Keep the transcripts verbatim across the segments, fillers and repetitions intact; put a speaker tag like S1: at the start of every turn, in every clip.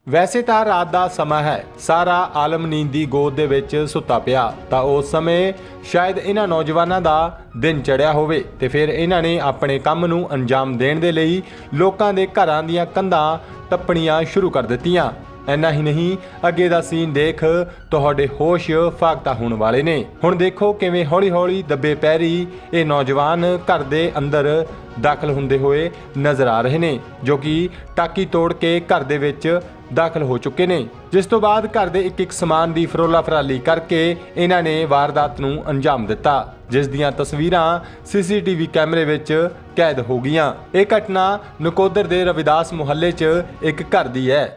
S1: ਵੈਸੇ ਤਾਂ ਰਾਤ ਦਾ ਸਮਾਂ ਹੈ, ਸਾਰਾ ਆਲਮ ਨੀਂਦ ਦੀ ਗੋਦ ਦੇ ਵਿੱਚ ਸੁੱਤਾ ਪਿਆ ਤਾਂ ਉਸ ਸਮੇਂ ਸ਼ਾਇਦ ਇਹਨਾਂ ਨੌਜਵਾਨਾਂ ਦਾ ਦਿਨ ਚੜਿਆ ਹੋਵੇ ਤੇ ਫਿਰ ਇਹਨਾਂ ਨੇ ਆਪਣੇ ਕੰਮ ਨੂੰ ਅੰਜਾਮ ਦੇਣ ਦੇ ਲਈ ਲੋਕਾਂ ਦੇ ਘਰਾਂ ਦੀਆਂ ਕੰਧਾਂ ਟੱਪਣੀਆਂ ਸ਼ੁਰੂ ਕਰ ਦਿੱਤੀਆਂ। ਇੰਨਾ ਹੀ ਨਹੀਂ, ਅੱਗੇ ਦਾ ਸੀਨ ਦੇਖ ਤੁਹਾਡੇ ਹੋਸ਼ ਫਾਕਤਾ ਹੋਣ ਵਾਲੇ ਨੇ। ਹੁਣ ਦੇਖੋ ਕਿਵੇਂ ਹੌਲੀ-ਹੌਲੀ ਦੱਬੇ ਪੈਰੀ ਇਹ ਨੌਜਵਾਨ ਘਰ ਦੇ ਅੰਦਰ ਦਾਖਲ ਹੁੰਦੇ ਹੋਏ ਨਜ਼ਰ ਆ ਰਹੇ ਨੇ, ਜੋ ਕਿ ਟਾਕੀ ਤੋੜ ਕੇ ਘਰ ਦੇ ਵਿੱਚ ਦਾਖਲ ਹੋ ਚੁੱਕੇ ਨੇ। ਜਿਸ ਤੋਂ ਬਾਅਦ ਘਰ ਦੇ ਇੱਕ ਇੱਕ ਸਮਾਨ ਦੀ ਫਰੋਲਾ ਫਰਾਲੀ ਕਰਕੇ ਇਹਨਾਂ ਨੇ ਵਾਰਦਾਤ ਨੂੰ ਅੰਜਾਮ ਦਿੱਤਾ, ਜਿਸ ਦੀਆਂ ਤਸਵੀਰਾਂ ਸੀਸੀਟੀਵੀ ਕੈਮਰੇ ਵਿੱਚ ਕੈਦ ਹੋ ਗਈਆਂ। ਇਹ ਘਟਨਾ ਨਕੋਦਰ ਦੇ ਰਵਿਦਾਸ ਮੁਹੱਲੇ 'ਚ ਇੱਕ ਘਰ ਦੀ ਹੈ।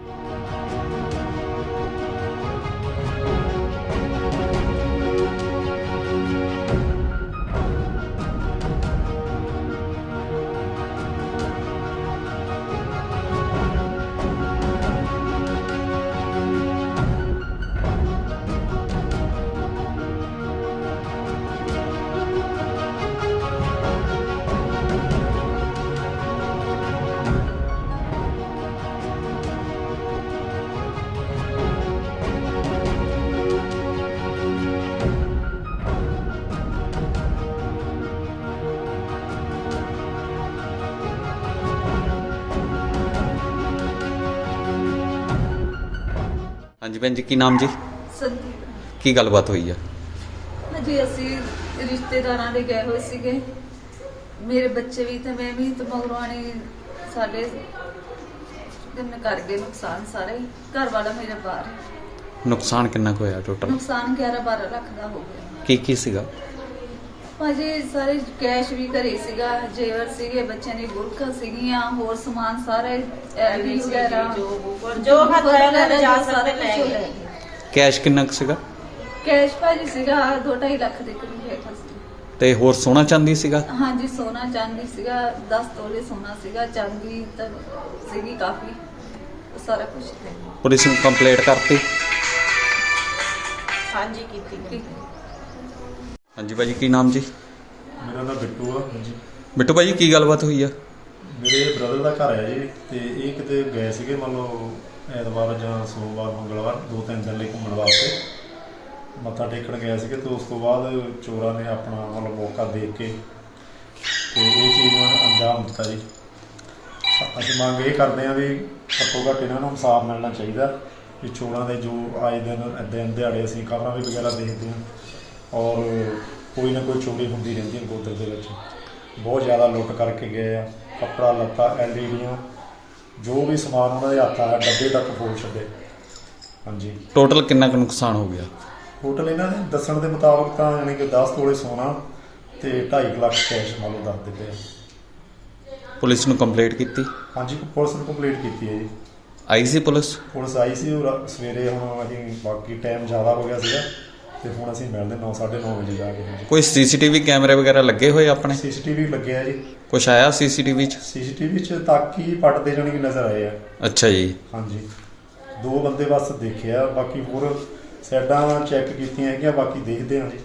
S2: हाँ जी भैन जी, की नाम जी?
S3: संदीप
S2: की गलबात हुई है?
S3: जी ਅਸੀਂ ਰਿਸ਼ਤੇਦਾਰਾਂ ਦੇ ਗਏ ਹੋਏ ਸੀਗੇ, ਮੇਰੇ ਬੱਚੇ ਵੀ ਤੇ ਮੈਂ ਵੀ, ਤੇ ਮਗਰਵਾਣੀ ਸਾਡੇ ਕਿੰਨੇ ਕਰ ਗਏ ਨੁਕਸਾਨ ਸਾਰੇ। ਘਰ ਵਾਲਾ ਮੇਰਾ ਬਾਹਰ।
S2: नुकसान कितना को होया टोटल?
S3: ਨੁਕਸਾਨ ਗਿਆਰਾਂ ਬਾਰਾਂ ਲੱਖ ਦਾ ਹੋ ਗਿਆ
S2: की की सीगा?
S3: ਭਾਜੀ। ਸਾਰੇ ਕੈਸ਼ ਵੀ ਘਰੇ ਸੀਗਾ, ਜੇਵਰ ਸੀਗੇ, ਬੱਚਿਆਂ ਦੀ ਗੁਰਖਾ ਸੀਗੀਆਂ, ਹੋਰ ਸਮਾਨ ਸਾਰੇ ਐਲਡੀ ਵਗੈਰਾ
S4: ਜੋ ਹੱਥ ਆਇਆ ਲੈ ਜਾ ਸਕਦੇ ਲੈ ਗਏ।
S2: कैश कितना को सीगा?
S3: ਕੈਸ਼ ਭਾਜੀ ਸੀਗਾ ਦੋ ਢਾਈ ਲੱਖ ਦੇ ਕਰੀਬ ਹੈਗਾ ਸੀ।
S2: ते होर सोना चांदी सीगा?
S3: ਹਾਂਜੀ ਸੋਨਾ ਚਾਂਦੀ ਸੀਗਾ, ਦਸ ਤੋਲੇ ਸੋਨਾ ਸੀਗਾ, ਚਾਂਦੀ ਤਾਂ ਸੀਗੀ ਕਾਫੀ, ਉਹ ਸਾਰਾ ਕੁਝ ਹੈ।
S2: पुलिस ने कंप्लेंट करती?
S4: ਹਾਂਜੀ ਕੀਤੀ
S3: ਠੀਕ
S4: ਗਈ।
S3: ਹੈ।
S2: हाँ जी भाजी, की नाम जी?
S5: ਮੇਰਾ ਨਾਮ ਬਿੱਟੂ ਆ ਜੀ।
S2: बिट्टू भाजी की गलबात हुई है?
S5: ਮੇਰੇ ਬ੍ਰਦਰ ਦਾ ਘਰ ਹੈ ਜੀ, ਤੇ ਇਹ ਕਿਤੇ ਗਏ ਸੀਗੇ ਮੰਨ ਲਓ ਐਤਵਾਰ ਜਾਂ ਸੋਮਵਾਰ ਮੰਗਲਵਾਰ, ਦੋ ਤਿੰਨ ਦਿਨ ਲਈ ਘੁੰਮਣ ਵਾਸਤੇ ਮੱਥਾ ਟੇਕਣ ਗਏ ਸੀਗੇ। ਤੇ ਉਸ ਤੋਂ ਬਾਅਦ ਚੋਰਾਂ ਨੇ ਆਪਣਾ ਮਤਲਬ ਮੌਕਾ ਦੇਖ ਕੇ ਤੇ ਇਹ ਚੀਜ਼ ਨੂੰ ਅੰਜਾਮ ਦਿੱਤਾ ਜੀ। ਅਸੀਂ ਮੰਗ ਇਹ ਕਰਦੇ ਹਾਂ ਵੀ ਘੱਟੋ ਘੱਟ ਇਹਨਾਂ ਨੂੰ ਇਨਸਾਫ ਮਿਲਣਾ ਚਾਹੀਦਾ ਵੀ ਚੋਰਾਂ ਦੇ ਜੋ ਆਏ ਦਿਨ ਦਿਨ ਦਿਹਾੜੇ ਅਸੀਂ ਖਬਰਾਂ ਵੀ ਵਗੈਰਾ ਦੇਖਦੇ ਹਾਂ, ਔਰ ਕੋਈ ਨਾ ਕੋਈ ਚੋਰੀ ਹੁੰਦੀ ਰਹਿੰਦੀ ਹੈ ਗੋਦਰ ਦੇ ਵਿੱਚ। ਬਹੁਤ ਜ਼ਿਆਦਾ ਲੁੱਟ ਕਰਕੇ ਗਏ ਆ, ਕੱਪੜਾ ਲੱਤਾ, ਐਲ ਈ ਡੀਆਂ, ਜੋ ਵੀ ਸਮਾਨ ਉਹਨਾਂ ਦੇ ਹੱਥ ਆਇਆ ਡੱਬੇ ਤੱਕ ਫੋੜ ਛੱਡੇ। ਹਾਂਜੀ,
S2: टोटल कितना को नुकसान हो गया?
S5: ਟੋਟਲ ਇਹਨਾਂ ਦੇ ਦੱਸਣ ਦੇ ਮੁਤਾਬਕ ਤਾਂ ਯਾਨੀ ਕਿ ਦਸ ਤੋਲੇ ਸੋਨਾ ਤੇ ਢਾਈ ਕੁ ਲੱਖ ਕੈਸ਼ ਮੰਨ ਲਓ ਦੱਸ ਦਿੱਤੇ ਆ।
S2: पुलिस ने कंप्लेंट की?
S5: ਹਾਂਜੀ, ਪੁਲਿਸ ਨੂੰ ਕੰਪਲੀਟ ਕੀਤੀ ਹੈ ਜੀ।
S2: आई सी पुलिस?
S5: ਪੁਲਿਸ ਆਈ ਸੀ ਉਹ ਰਾ- ਸਵੇਰੇ। ਹੁਣ ਅਸੀਂ ਬਾਕੀ ਟਾਈਮ ਜ਼ਿਆਦਾ ਹੋ ਗਿਆ ਸੀਗਾ ਤੇ ਹੁਣ ਅਸੀਂ ਮਿਲਦੇ ਨੌ ਸਾਢੇ ਨੌ ਵਜੇ ਜਾ ਕੇ।
S2: कोई सीसीटीवी कैमरे वगैरह लगे हुए अपने?
S5: ਸੀਸੀਟੀਵੀ ਲੱਗਿਆ ਜੀ।
S2: कुछ आया सीसीटीवी च?
S5: ਸੀਸੀਟੀਵੀ 'ਚ ਤੱਕ ਹੀ ਪੜਦੇ ਜਾਣੀ ਕਿ ਨਜ਼ਰ ਆਏ ਆ।
S2: अच्छा जी।
S5: ਹਾਂਜੀ, ਦੋ ਬੰਦੇ ਬਸ ਦੇਖਿਆ, ਬਾਕੀ ਹੋਰ ਸਾਈਡਾਂ ਚੈੱਕ ਕੀਤੀਆਂ ਹੈਗੀਆਂ, ਬਾਕੀ ਦੇਖਦੇ ਹਾਂ ਜੀ।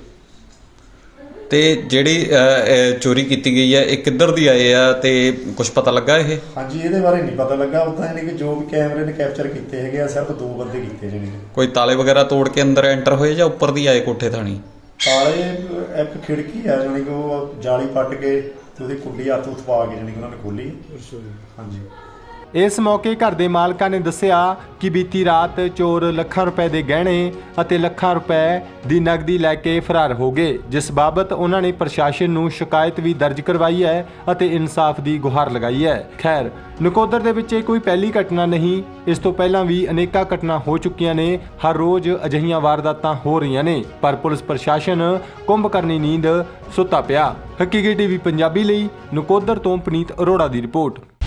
S2: ਤੇ ਜਿਹੜੀ ਅਹ, ਇਹ ਚੋਰੀ ਕੀਤੀ ਗਈ ਹੈ, ਇਹ ਕਿੱਧਰ ਦੀ ਆਏ ਆ ਤੇ ਕੁਝ ਪਤਾ ਲੱਗਾ ਇਹ?
S5: ਹਾਂਜੀ, ਇਹਦੇ ਬਾਰੇ ਨਹੀਂ ਪਤਾ ਲੱਗਾ। ਉੱਦਾਂ ਯਾਨੀ ਕਿ ਜੋ ਵੀ ਕੈਮਰੇ ਨੇ ਕੈਪਚਰ ਕੀਤੇ ਹੈਗੇ ਆ, ਸਿਰਫ ਦੋ ਬੰਦੇ ਕੀਤੇ ਜਾਣੀ ਕਿ।
S2: ਕੋਈ ਤਾਲੇ ਵਗੈਰਾ ਤੋੜ ਕੇ ਅੰਦਰ ਐਂਟਰ ਹੋਏ ਜਾਂ ਉੱਪਰ ਦੀ ਆਏ ਕੋਠੇ ਥਾਣੀ?
S5: ਤਾਲੇ ਇੱਕ ਖਿੜਕੀ ਆ ਜਾਣੀ ਕਿ ਉਹ ਜਾਲੀ ਪੱਟ ਕੇ ਤੇ ਉਹਦੀ ਕੁੰਡੀ ਹੱਥ ਉੱਤ ਪਾ ਕੇ ਜਾਣੀ ਕਿ ਉਹਨਾਂ ਨੇ ਖੋਲੀ। ਹਾਂਜੀ।
S1: ਇਸ ਮੌਕੇ ਘਰ ਦੇ ਮਾਲਕਾਂ ਨੇ ਦੱਸਿਆ ਕਿ ਬੀਤੀ ਰਾਤ ਚੋਰ ਲੱਖਾਂ ਰੁਪਏ ਦੇ ਗਹਿਣੇ ਅਤੇ ਲੱਖਾਂ ਰੁਪਏ ਦੀ ਨਕਦੀ ਲੈ ਕੇ ਫਰਾਰ ਹੋ ਗਏ, ਜਿਸ ਬਾਬਤ ਉਹਨਾਂ ਨੇ ਪ੍ਰਸ਼ਾਸਨ ਨੂੰ ਸ਼ਿਕਾਇਤ ਵੀ ਦਰਜ ਕਰਵਾਈ ਹੈ ਅਤੇ ਇਨਸਾਫ ਦੀ ਗੁਹਾਰ ਲਗਾਈ ਹੈ। ਖੈਰ, ਨਕੋਦਰ ਦੇ ਵਿੱਚ ਇਹ ਕੋਈ ਪਹਿਲੀ ਘਟਨਾ ਨਹੀਂ, ਇਸ ਤੋਂ ਪਹਿਲਾਂ ਵੀ ਅਨੇਕਾਂ ਘਟਨਾ ਹੋ ਚੁੱਕੀਆਂ ਨੇ। ਹਰ ਰੋਜ਼ ਅਜਿਹੀਆਂ ਵਾਰਦਾਤਾਂ ਹੋ ਰਹੀਆਂ ਨੇ, ਪਰ ਪੁਲਿਸ ਪ੍ਰਸ਼ਾਸਨ ਕੁੰਭਕਰਨੀ ਨੀਂਦ ਸੁੱਤਾ ਪਿਆ। ਹਕੀਕੀ ਟੀਵੀ ਪੰਜਾਬੀ ਲਈ ਨਕੋਦਰ ਤੋਂ ਪਨੀਤ ਅਰੋੜਾ ਦੀ ਰਿਪੋਰਟ।